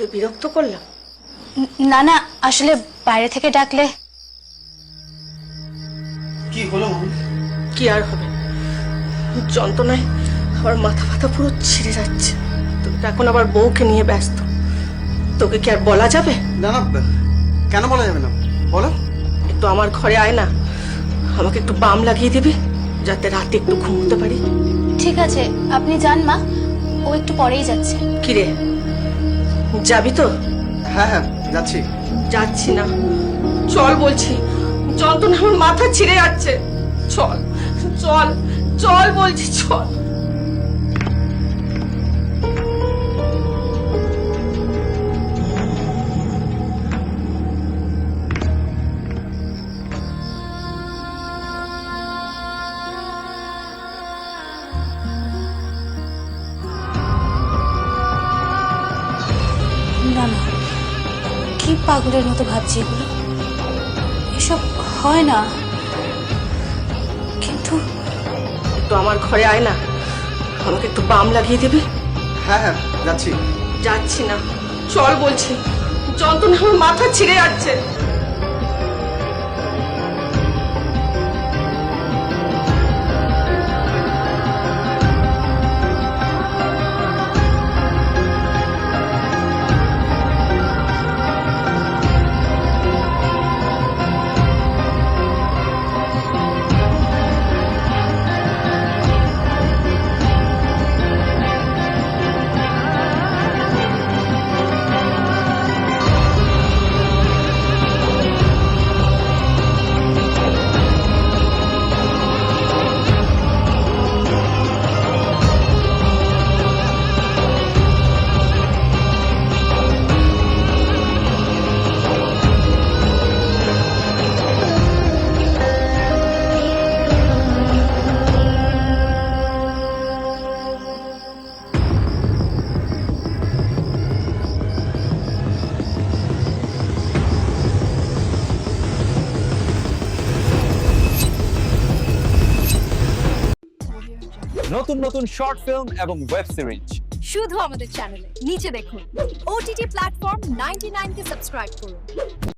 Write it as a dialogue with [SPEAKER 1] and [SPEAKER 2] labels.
[SPEAKER 1] তোকে বিরক্ত করলাম?
[SPEAKER 2] না না, আসলে বাইরে থেকে ডাকলে।
[SPEAKER 3] কি হলো মামি?
[SPEAKER 1] কি আর হবে, যন্ত্রণায় আমার মাথা ফাথা পুরো ছিঁড়ে যাচ্ছে। তুমি তো এখন আবার বউকে নিয়ে ব্যস্ত, তোকে কি আর বলা যাবে?
[SPEAKER 3] না না, কেন বলা যাবে না, বলো।
[SPEAKER 1] একটু আমার ঘরে আয় না, আমাকে একটু বাম লাগিয়ে দিবি, যাতে রাতে একটু ঘুমোতে পারি।
[SPEAKER 2] ঠিক আছে, আপনি যান মা, ও একটু পরেই যাচ্ছে।
[SPEAKER 1] কিরে, যাবি তো?
[SPEAKER 3] হ্যাঁ হ্যাঁ, যাচ্ছি।
[SPEAKER 1] যাচ্ছি না, চল বলছি, যন্ত্রণা আমার মাথা ছিঁড়ে যাচ্ছে। চল চল চল বলছি, চল।
[SPEAKER 2] না না, কি পাগলের মতো ভাবছি এগুলো, এসব হয় না। কিন্তু
[SPEAKER 1] একটু আমার ঘরে আয় না, আমাকে একটু বাম লাগিয়ে দিবি।
[SPEAKER 3] হ্যাঁ হ্যাঁ, যাচ্ছি।
[SPEAKER 1] যাচ্ছি না, চল বলছি, যন্ত্রণা আমার মাথা ছিঁড়ে যাচ্ছে।
[SPEAKER 4] নতুন নতুন শর্ট ফিল্ম এবং ওয়েব সিরিজ
[SPEAKER 5] শুধু আমাদের চ্যানেলে নিচে দেখুন। OTT প্ল্যাটফর্ম 99 কে সাবস্ক্রাইব করুন।